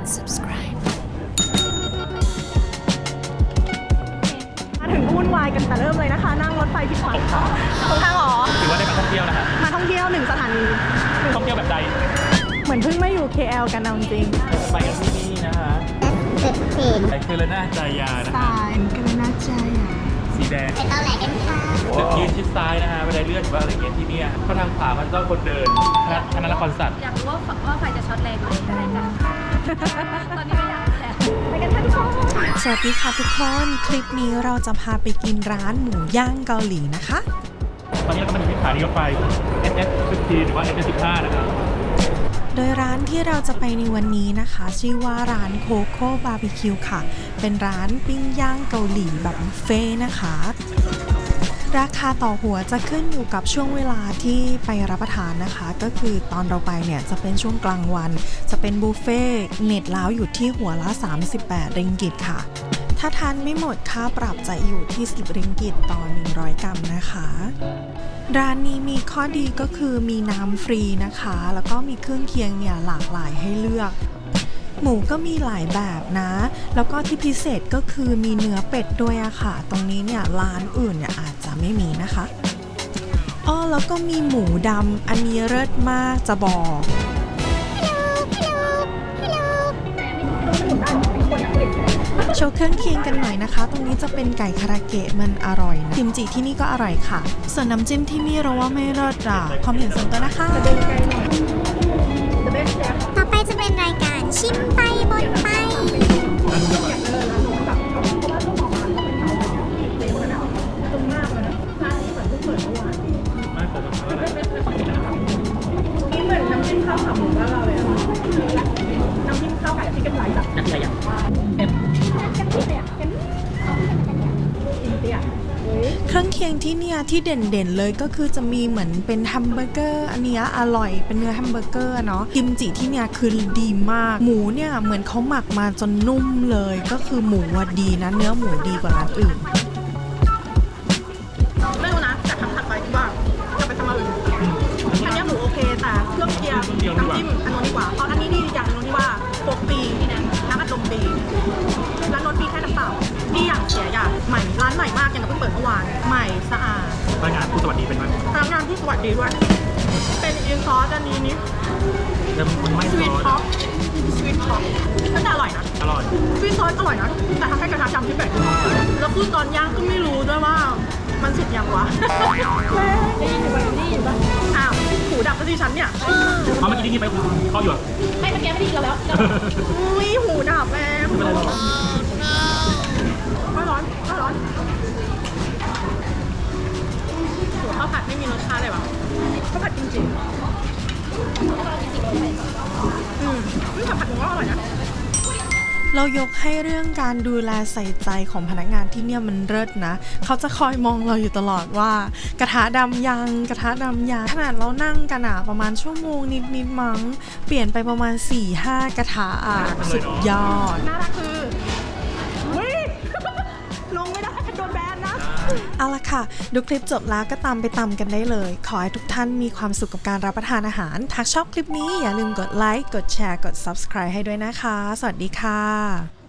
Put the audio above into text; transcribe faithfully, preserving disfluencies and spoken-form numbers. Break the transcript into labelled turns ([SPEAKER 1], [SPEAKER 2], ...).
[SPEAKER 1] subscribe
[SPEAKER 2] มาถึงวุ่นวายกันแต่เริ่มเลยนะคะนั่งรถไฟผิดฝั่งตรงทางหรอ
[SPEAKER 3] ถือว่าได้มาท่องเที่ยวนะคะ
[SPEAKER 2] มาท่องเที่ยวหนึ่งสถานี
[SPEAKER 3] ท่องเที่ยวแบบใด
[SPEAKER 2] เหมือนเพิ่งมาอยู่ เค แอล กันเอาจริง
[SPEAKER 3] ไปกันที่นี่นะคะไปคือละหน้าจายานะคะ
[SPEAKER 2] สายกันเลยน่าใจอ่ะ
[SPEAKER 3] สีแดง
[SPEAKER 4] ไปตอนไหนกันคะ
[SPEAKER 3] จะยืนชิดซ้ายนะคะบันไดเลื่อนหรือว่าอะไรเงี้ยที่นี่เพราะทางขวามันต้องคนเดินคณะละครสัตว์
[SPEAKER 4] อยากรู้ว่าว่าไฟจะช็อตแรงไหมอะไรกันตอนนี้ไม่อยากแล้ว
[SPEAKER 2] ไปกันค่ะทุกคน
[SPEAKER 1] สวัสดีค่ะทุกคนคลิปนี้เราจะพาไปกินร้านหมูย่างเกาหลีนะคะ
[SPEAKER 3] ตอนนี้เราก็มาถึงที่สถานีรถไฟ เอส เอส สิบหรือว่า เอส เอส สิบห้านะครับ
[SPEAKER 1] โดยร้านที่เราจะไปในวันนี้นะคะชื่อว่าร้านโคโค่บาร์บีคิวค่ะเป็นร้านปิ้งย่างเกาหลีแบบบุฟเฟ่นะคะราคาต่อหัวจะขึ้นอยู่กับช่วงเวลาที่ไปรับประทานนะคะก็คือตอนเราไปเนี่ยจะเป็นช่วงกลางวันจะเป็นบุฟเฟ่เน็ตแล้วอยู่ที่หัวละสามสิบแปดริงกิตค่ะถ้าทานไม่หมดค่าปรับจะอยู่ที่สิบริงกิตต่อหนึ่งร้อยกรัมนะคะร้านนี้มีข้อดีก็คือมีน้ำฟรีนะคะแล้วก็มีเครื่องเคียงเนี่ยหลากหลายให้เลือกหมูก็มีหลายแบบนะแล้วก็ที่พิเศษก็คือมีเนื้อเป็ดด้วยอะค่ะตรงนี้เนี่ยร้านอื่นเนี่ยอาจจะไม่มีนะคะอ้อแล้วก็มีหมูดำอันนี้เลิศมากจะบอกโชว์เครื่องเคียงกันหน่อยนะคะตรงนี้จะเป็นไก่คาราเกะมันอร่อยนะกิมจิที่นี่ก็อร่อยค่ะส่วนน้ำจิ้มที่นี่เราว่าไม่เลิศอ่ะความเห็นส่วนตัวนะคะ
[SPEAKER 4] ต่อไปจะเป็นรายการชิมไปบนไป
[SPEAKER 2] นี่เหมือนน้ำจิ้มข้าวขาหมูบ้านเราเลยอะน้ำจิ้มข้าวไก่ที่กันไหลแบบนักอะไรอย่างเอ็ม
[SPEAKER 1] เครื่องเคียงที่เนี่ยที่เด่นๆเลยก็คือจะมีเหมือนเป็นแฮมเบอร์เกอร์อันนี้อร่อยเป็นเนื้อแฮมเบอร์เกอร์เนาะกิมจิที่เนี่ยคือดีมากหมูเนี่ยเหมือนเขาหมักมาจนนุ่มเลยก็คือหมูว่าดีนะเนื้อหมูดีกว่าร้านอื่น
[SPEAKER 2] ไม่รู้นะแต่คำถัดไปที่ว่าจะไปทำอะไรอันนี้หมูโอเคแต่เครื่องเคียงน้ำจิ้มอันนู้นดีกว่าเพราะอันนี้ดีอย่างนึงที่ว่าโปกปีน้ำอัดลมปีร้านรถปีแค่น้ำเปล่าที่อย่างเสียอย่างใหม่ร้านใหม่มากยังเพิ่งเปิดเมื่อวานใหม่สะอาด
[SPEAKER 3] พนักงานผู้สวัสดีเป็นไหม
[SPEAKER 2] พนักงานผู้สวัสดีด้วยเป็นอินซอสอันนี้นี่
[SPEAKER 3] มันไม่
[SPEAKER 2] สวีทท็อปสวีทท็อปก็จะอร่อยนะ
[SPEAKER 3] อร่อย
[SPEAKER 2] สวีทซอสอร่อยนะแต่ทำให้กระทะดำที่แปลกแล้วคือตอนย่างก็ไม่รู้ด้วยว่ามันสุกยังวะได้ยินอยู่ป่ะได้ยินป่ะอ้าวหูดับซะทีฉันเนี่ย
[SPEAKER 3] เอาเมื่อกี้ที่กินไปเขาอยู่
[SPEAKER 2] ไม่เมื่อกี้ไม่ดีกันแล้วอุ้ยหูดับแม่ไม่เป็นไรหรอกไม่ร้อนไม่ร้อนหัวข้าวผัดไม่มีรสชาติเลยว่ะข้าวผัดจริงๆอืมข้าวผัดผมว่าอร่อยนะ
[SPEAKER 1] เรายกให้เรื่องการดูแลใส่ใจของพนักงานที่เนี่ยมันเลิศนะเขาจะคอยมองเราอยู่ตลอดว่ากระทะดำยังกระทะดำยังขนาดเรานั่งกันอะประมาณชั่วโมงนิดๆมั้งเปลี่ยนไปประมาณ สี่ห้า กระทะอะสุดยอด
[SPEAKER 2] น่ารักคือวิ่งลงไม่ได้โดนแบนนะ
[SPEAKER 1] เอาละค่ะดูคลิปจบแล้วก็ตามไปตามกันได้เลยขอให้ทุกท่านมีความสุขกับการรับประทานอาหารถ้าชอบคลิปนี้อย่าลืมกดไลค์กดแชร์กด ซับสไครบ์ ให้ด้วยนะคะสวัสดีค่ะ